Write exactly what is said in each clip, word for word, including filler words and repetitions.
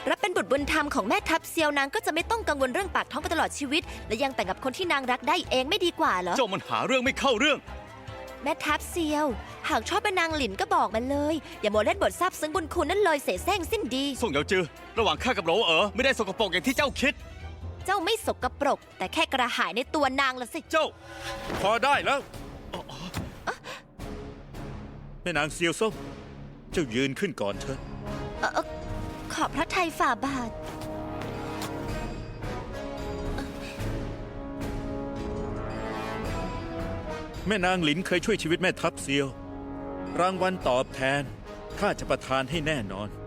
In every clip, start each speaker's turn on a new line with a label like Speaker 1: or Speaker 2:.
Speaker 1: รับเป็นบุตรบุญธรรมของแม่ทัพเซียวนางก็จะไม่ต้องกังวลเรื่องปากท้องไปตลอดชีวิต และยังแต่งกับคนที่นางรักได้เองไม่ดีกว่าเหรอ
Speaker 2: เจ้ามันหาเรื่องไม่เข้าเรื่อง
Speaker 1: แม่ทัพเซียว หากชอบเป็นนางหลินก็บอกมันเลย อย่าโมเล่นบทซาบซึ้งบุญคุณนั่นเลยเสแสร้งสิ้นดี
Speaker 2: ส่งเหยาจือระหว่างข้ากับโหลเอ๋อไม่ได้สกปรกอย่างที่เจ้าคิด
Speaker 1: เจ้าไม่สกปรก แต่แค่กระหายในตัวนางละสิ
Speaker 2: เจ้า
Speaker 3: พอได้แล้วแม่นางเซียวส้มเจ้ายืนขึ้นก่อนเถอะ
Speaker 1: เอ่อเอ่อขอบพระทัยฝ่าบาท
Speaker 3: แม่นางหลินเคยช่วยชีวิตแม่ทัพเซียว รางวัลตอบแทนข้าจะประทานให้แน่นอน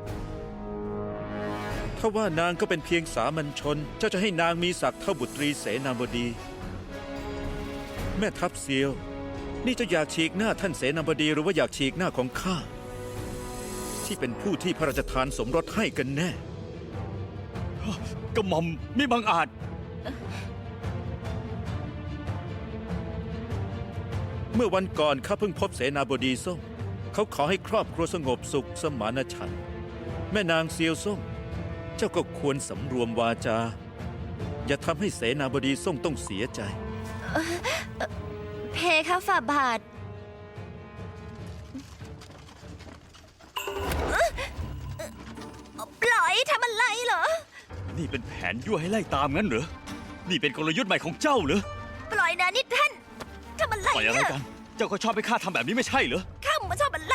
Speaker 3: ถ้าว่านางก็เป็นเพียงสามัญชน เจ้าจะให้นางมีศักดิ์เท่าบุตรีเสนาบดี แม่ทัพเซียว นี่เจะอยากฉีกหน้าท่านเสนาบดีหรือว่าอยากฉีกหน้าของข้าที่เป็นผู้ที่พระราชทานสมรสให้กันแน่
Speaker 2: กระหม่อมมิบังอาจ
Speaker 3: เมื่อวันก่อนข้าเพิ่งพบเสนาบดีส้มเขาขอให้ครอบครัวสงบสุขสมานฉันท์แม่นางเซียวส้มเจ้าก็ควรสำรวมวาจา อย่าทำให้เสนาบดีส้มต้องเสียใจ
Speaker 1: เพคะฝ่าบาท ปล่อยทำอะไรเหรอ
Speaker 2: นี่เป็นแผนยั่วให้ไล่ตามงั้นเหรอ นี่เป็นกลยุทธ์ใหม่ของเจ้าเหรอ
Speaker 1: ปล่อยนะนี่ท่านทำอะไร
Speaker 2: ปล่อยอะไร
Speaker 1: เนี่ย
Speaker 2: กัน เจ้าก็ชอบให้ข้าทำแบบนี้ไม่ใช่เหรอ
Speaker 1: ข้ามาชอบอะไร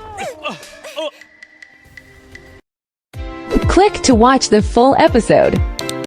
Speaker 4: Click to watch the full episode.